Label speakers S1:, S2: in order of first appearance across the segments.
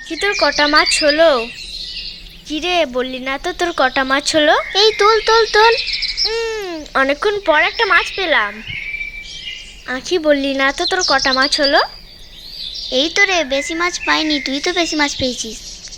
S1: কি তোর কটা মাছ হলো? কিরে বললি না তো তোর কটা মাছ হলো?
S2: এই তোল তোল তোল।
S1: অনেকক্ষণ পর একটা মাছ পেলাম। আঁখি বললি না তো তোর কটা মাছ হলো?
S2: এই তো রে, বেশি মাছ পাইনি, তুই তো বেশি মাছ পেয়েছিস।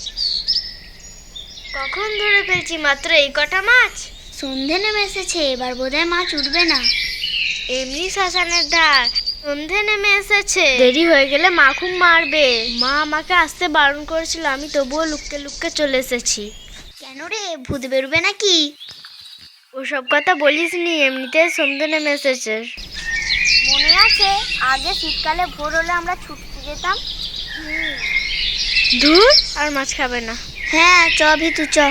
S1: কখন ধরে ফেলছি মাত্র এই কটা মাছ?
S2: সন্ধে নেমে এসেছে, এবার বোধহয় মাছ উঠবে না।
S1: এমনি শ্মশানের ধার, সন্ধে নেমে এসেছে, দেরি হয়ে গেলে মা খুব মারবে। মা আমাকে আসতে বারণ করেছিল, আমি তবুও লুককে লুককে চলে এসেছি।
S2: কেন রে, ভূত বেরোবে নাকি?
S1: ওসব কথা বলিস নি, এমনিতে সন্ধে নেমে এসেছে।
S2: মনে আছে আগে শীতকালে ভোর হলে আমরা ছুটতে যেতাম?
S1: ধুর, আর মাছ খাবে না।
S2: হ্যাঁ চ ভিতু চ।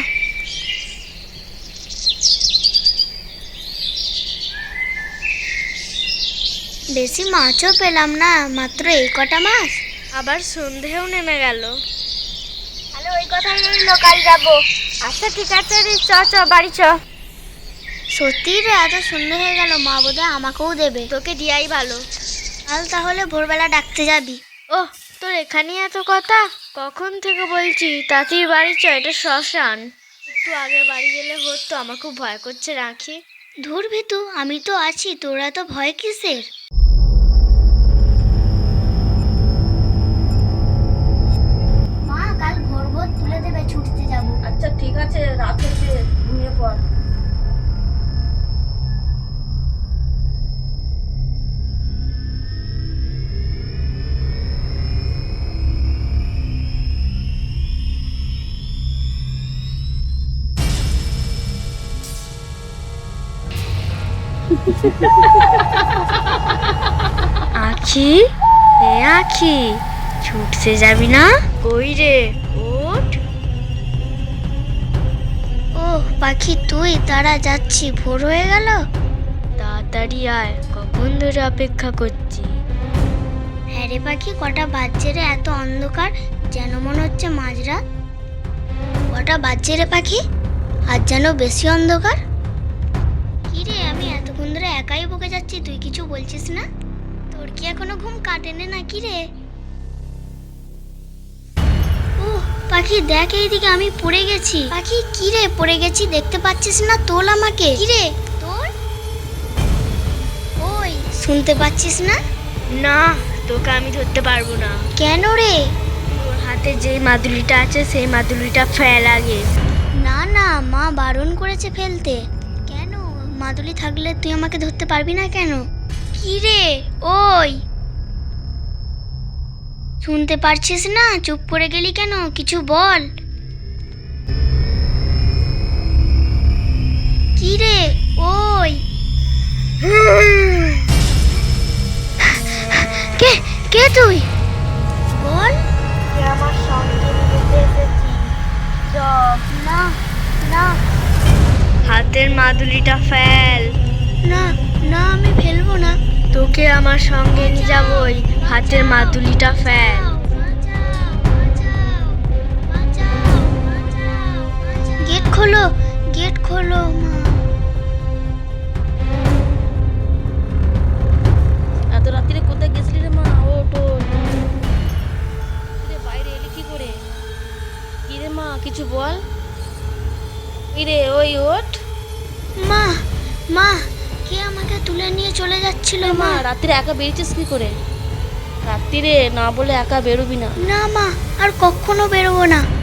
S2: বেশি মাছও পেলাম না, মাত্র এই কটা মাছ।
S1: আবার সন্ধেও নেমে গেল।
S2: তাহলে ওই কথাই রইল, কাল যাবো।
S1: আচ্ছা ঠিক আছে রে, চ চ বাড়ি চ।
S2: সত্যি রে, এত সন্ধ্যে হয়ে গেল, মা বোধহয় আমাকেও দেবে।
S1: তোকে দিয়াই ভালো।
S2: কাল তাহলে ভোরবেলা ডাকতে যাবি?
S1: ওহ, তোর এখানেই এত কথা? কখন থেকে বলছি তাড়াতাড়ি বাড়ি চ, এটা শ্মশান। একটু আগে বাড়ি গেলে হতো, আমার খুব ভয় করছে রাখি।
S2: ধুর ভিতু, আমি তো আছি, তোরা তো ভয় কিসের? মা কাল ভোর ভোর তুলে দেবে, ছুটতে যাব।
S3: আচ্ছা ঠিক আছে, রাত হচ্ছে, ঘুমিয়ে পড়।
S1: আখি, এ আখি, ছুটতে যাবি না? কই রে, ওঠ।
S2: ও পাখি তুই, তারা যাচ্ছি, ভোর হয়ে গেল।
S1: তাড়াতাড়ি আয়, কখন ধরে অপেক্ষা করছি।
S2: হ্যাঁ রে পাখি, কটা বাজছে রে, এত অন্ধকার, যেন মনে হচ্ছে মাঝরাত। কটা বাজছে রে পাখি, আর যেন বেশি অন্ধকার। কি রে, আমি এতক্ষণ ধরে একাই বকে যাচ্ছি, তুই কিছু বলছিস না? তোর কি এখনো ঘুম কাটেনি নাকি রে? ও পাখি দেখ, এইদিকে আমি পড়ে গেছি। পাখি কি রে, পড়ে গেছি দেখতে পাচ্ছিস না? তোল আমাকে। কি রে তোর? ওই শুনতে পাচ্ছিস না?
S1: না, তোকে আমি ধরতে পারবো না।
S2: কেন রে?
S1: তোর হাতে যে মাদুলিটা আছে সেই মাদুলিটা ফেল আগে।
S2: না না, মা বারণ করেছে ফেলতে। কেন, মাদুলি থাকলে তুই আমাকে ধরতে পারবি না কেন? কি রে ওই, শুনতে পারছিস না? চুপ করে গেলি কেন, কিছু বল। কি রে ওই, কে কে তুই বল।
S1: আমার সঙ্গে নিতে এসেছি,
S2: না না
S1: হাতের মাদুলিটা ফেল।
S2: না না, আমি ফেলবো না।
S1: তোকে আমার সঙ্গে নিয়ে যাবই, হাতের মাদুলিটা ফেল।
S2: গেট খোলো, গেট খোলো মা।
S3: এত রাত্রিরে কোথায় গেছিলি রে মা? ওঠ ওঠ। রে বাইরে এলি কি করে? কি রে মা, কিছু বল। কি রে ওই, ওঠ।
S2: মা মা, কে আমাকে তুলে নিয়ে চলে যাচ্ছিল
S3: মা
S2: মা?
S3: রাত্রিরে একা বেরিয়েছিস কি করে? রাত্রিরে না বলে একা বেরোবি না।
S2: না মা, আর কখনো বেরোবো না।